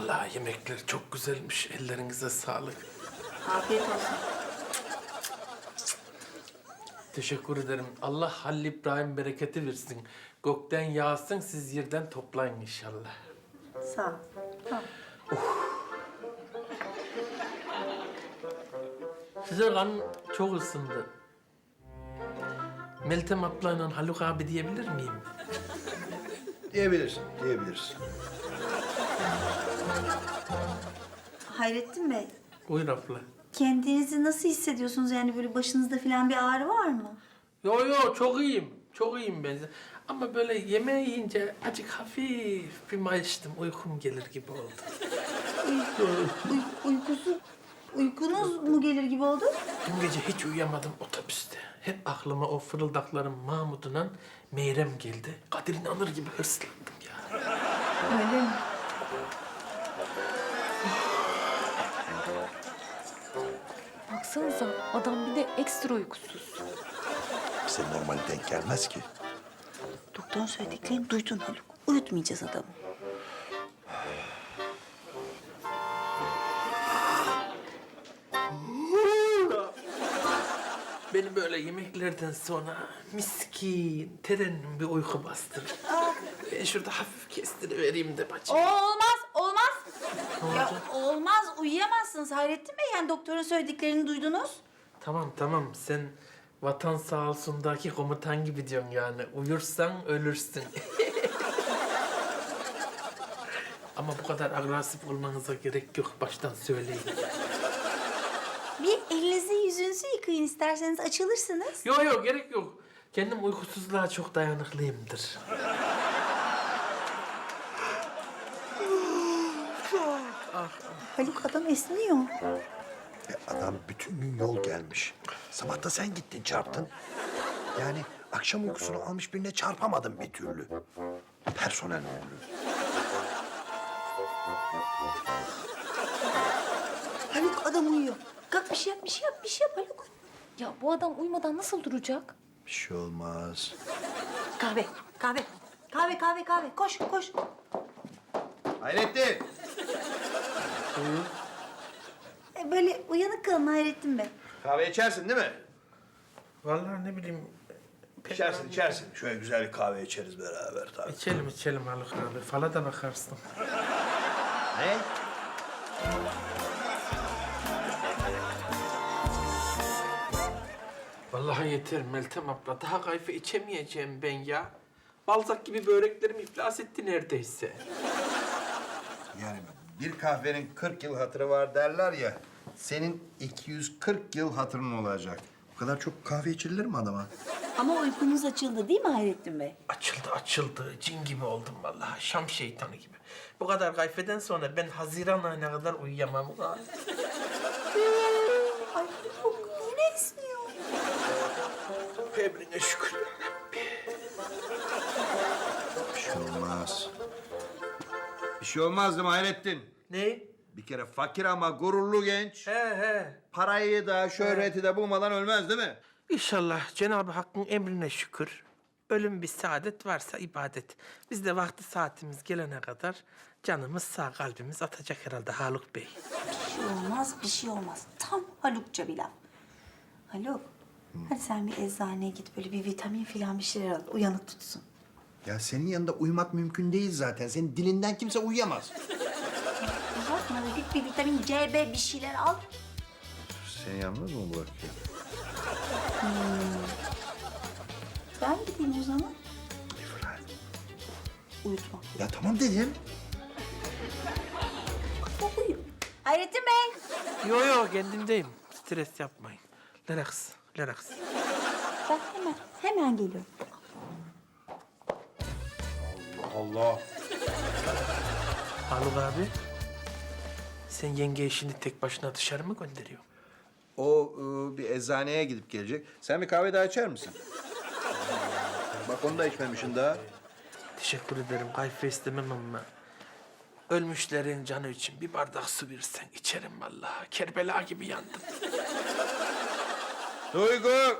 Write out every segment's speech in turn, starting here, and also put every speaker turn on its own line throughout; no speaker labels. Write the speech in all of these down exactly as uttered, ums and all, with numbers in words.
Vallahi yemekler çok güzelmiş. Ellerinize sağlık.
Afiyet olsun.
Teşekkür ederim. Allah Halil İbrahim bereketi versin. Gökten yağsın, siz yerden toplayın inşallah.
Sağ ol. Tamam.
Size kan çok ısındı. Meltem ablayla Haluk abi diyebilir miyim?
Diyebilirsin, diyebilirsin.
Hayrettin Bey,
Buyur abla.
kendinizi nasıl hissediyorsunuz? Yani böyle başınızda falan bir ağrı var mı?
Yo yo çok iyiyim. Çok iyiyim ben. Ama böyle yemeği yiyince acık hafif bir mayıştım. Uykum gelir gibi oldu.
Uy uykusu, uykunuz mu gelir gibi oldu?
Dün gece hiç uyuyamadım otobüste. Hep aklıma o fırıldakların Mahmud'la Meyrem geldi. Kadir İnanır gibi hırslandım ya.
Öyle mi?
Baksanıza adam bir de ekstra uykusuz.
Bize normal denk gelmez ki.
Doktorun söylediklerini duydun Haluk. Uyutmayacağız adamı.
Beni böyle yemeklerden sonra miskin, terenin bir uyku bastırır. Ben şurada hafif kestirivereyim de bacım.
O olmaz, olmaz.
Ne
Ya
oldu?
olmaz, uyuyamazsınız Hayrettin Bey. Yani doktorun söylediklerini duydunuz.
Tamam tamam, sen vatan sağ olsundaki komutan gibi diyorsun yani. Uyursan ölürsün. Ama bu kadar agresif olmanıza gerek yok, baştan söyleyeyim.
Bir elinizi yüzünüzü yıkayın isterseniz açılırsınız.
Yok yok, gerek yok. Kendim uykusuzluğa çok dayanıklıyımdır.
Haluk adam esniyor.
E, adam bütün gün yol gelmiş. Sabah da sen gittin çarptın. Yani akşam uykusunu almış birine çarpamadın bir türlü. Personel müdürü.
Haluk adam uyuyor. Kalk bir şey yap, bir şey yap, bir şey yap Haluk.
Ya bu adam uyumadan nasıl duracak?
Bir şey olmaz.
Kahve, kahve. Kahve, kahve, kahve. Koş, koş.
Hayrettin!
E, böyle uyanık kalın Hayrettin Bey.
Kahve içersin değil mi?
Vallahi ne bileyim...
İçersin, içersin. Şöyle güzel bir kahve içeriz beraber tabii.
İçelim içelim Haluk abi. Fala da bakarsın.
Ne?
Vallahi yeter Meltem abla. Daha kayfe içemeyeceğim ben ya. Balzak gibi böreklerim iflas etti neredeyse.
Yani bir kahvenin kırk yıl hatırı var derler ya. Senin iki yüz kırk yıl hatırın olacak. Bu kadar çok kahve içilir mi adama?
Ama uykunuz açıldı değil mi Hayrettin Bey?
Açıldı açıldı. Cin gibi oldum vallahi. Şam şeytanı gibi. Bu kadar kayfeden sonra ben Haziran ayına kadar uyuyamam.
Ay Haluk yine esniyor.
Emrine şükür.
Bir şey olmaz. Bir şey olmaz değil mi Hayrettin?
Ne?
Bir kere fakir ama gururlu genç.
He he.
Parayı da şöhreti de bulmadan ölmez değil mi?
İnşallah Cenab-ı Hakk'ın emrine şükür. Ölüm bir saadet varsa ibadet. Biz de vakti saatimiz gelene kadar canımız sağ, kalbimiz atacak herhalde Haluk Bey.
Bir şey olmaz, bir şey olmaz. Tam Halukça bir laf. Haluk, hadi sen bir eczaneye git böyle bir vitamin falan bir şeyler al. Uyanık tutsun.
Ya senin yanında uyumak mümkün değil zaten. Senin dilinden kimse uyuyamaz.
Uzatma da git bir vitamin C, B bir şeyler al.
Seni yalnız mı bırakıyor?
Ben gideyim o zaman.
İfrat.
Uyutma.
Ya tamam dedim.
O uyu. Hayrettin Bey.
Yo yo kendimdeyim. Stres yapmayın. Relax, relax.
Ben hemen, hemen geliyorum.
Allah.
Haluk abi, sen yenge işini tek başına dışarı mı gönderiyorsun?
O ıı, bir eczaneye gidip gelecek. Sen bir kahve daha içer misin? Bak onu da içmemişsin daha.
Teşekkür ederim. Kayfe istemem ama ölmüşlerin canı için bir bardak su versen içerim vallahi. Kerbela gibi yandım.
Duygu!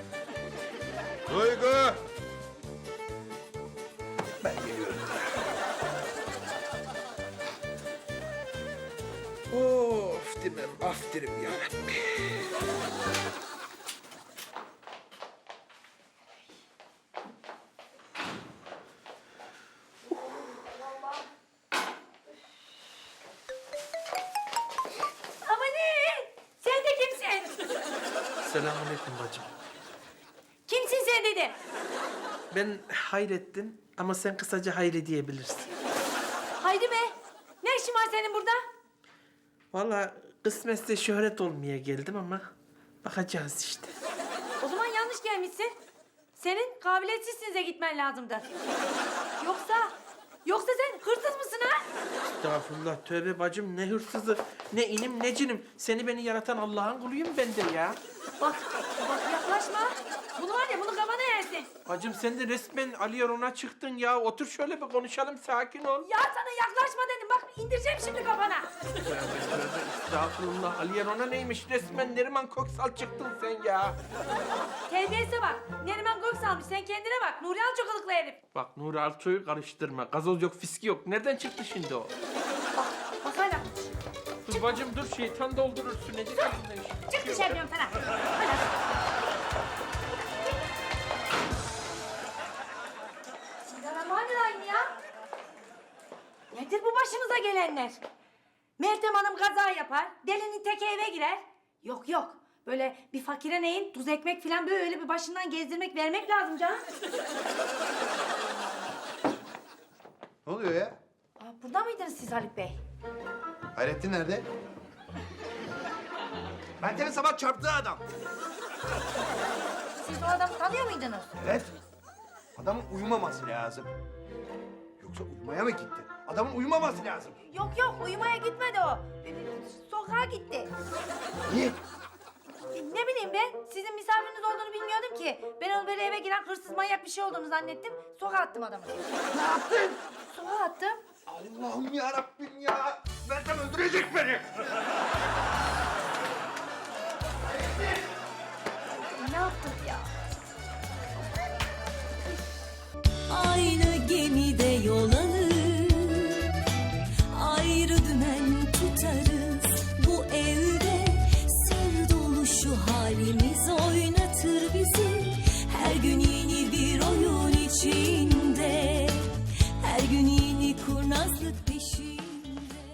Duygu! Ben geliyorum. Of demem, af derim ya.
Ama ne? Sen de kimsin?
Selamünaleyküm bacım.
Kimsin sen dedi.
Ben Hayrettin ama sen kısaca Hayri diyebilirsin.
Haydi be. Ne işin var senin burada?
Vallahi kısmetse şöhret olmaya geldim ama bakacağız işte.
O zaman yanlış gelmişsin. Senin kabiliyetsizsinize gitmen lazımdı. Yoksa, yoksa sen hırsız mısın ha?
Estağfurullah, tövbe bacım, ne hırsızı, ne inim ne cinim. Seni beni yaratan Allah'ın kuluyum ben de ya.
Bak, bak yaklaşma. Bunu var ya, bunu kafana yersin.
Bacım sen de resmen Ali Yaron'a çıktın ya. Otur şöyle bir konuşalım, sakin ol.
Ya sana yaklaşma dedim. Bak indireceğim şimdi kafana.
Tövbe tövbe, estağfurullah. Ali Yaron'a neymiş, resmen Neriman Köksal çıktın sen ya.
Terbiyesize bak. Neriman Göksal'mış. Sen kendine bak. Nuri Alçokalıklı herif.
Bak Nuri Alço'yu karıştırma. Gazoz yok, fiski yok. Nereden çıktı şimdi o?
Bak, bak hala.
Dur bacım dur, şeytan doldurursun. Ne diyeyim?
Çık dışarı diyorum sana. Hadi. Bismillahirrahmanirrahim ya. Nedir bu başımıza gelenler? Meltem Hanım kaza yapar, delinin teki eve girer. Yok yok, böyle bir fakire neyin tuz ekmek falan böyle bir başından gezdirmek vermek lazım canım.
Ne oluyor ya?
Aa, burada mıydınız siz Haluk Bey?
Hayrettin nerede? Meltem'in sabah çarptığı adam.
Siz o adamı tanıyor muydunuz?
Evet. Adamın uyumaması lazım. Yoksa uyumaya mı gitti? Adamın uyumaması lazım.
Yok yok, uyumaya gitmedi o. Sokağa gitti.
Niye?
Ne bileyim ben, sizin misafiriniz olduğunu bilmiyordum ki. Ben onu böyle eve giren hırsız manyak bir şey olduğunu zannettim. Sokağa attım adamı.
Ne yaptın?
Sokağa attım.
Allah'ım ya Rabbim ya. Meltem öldürecek beni.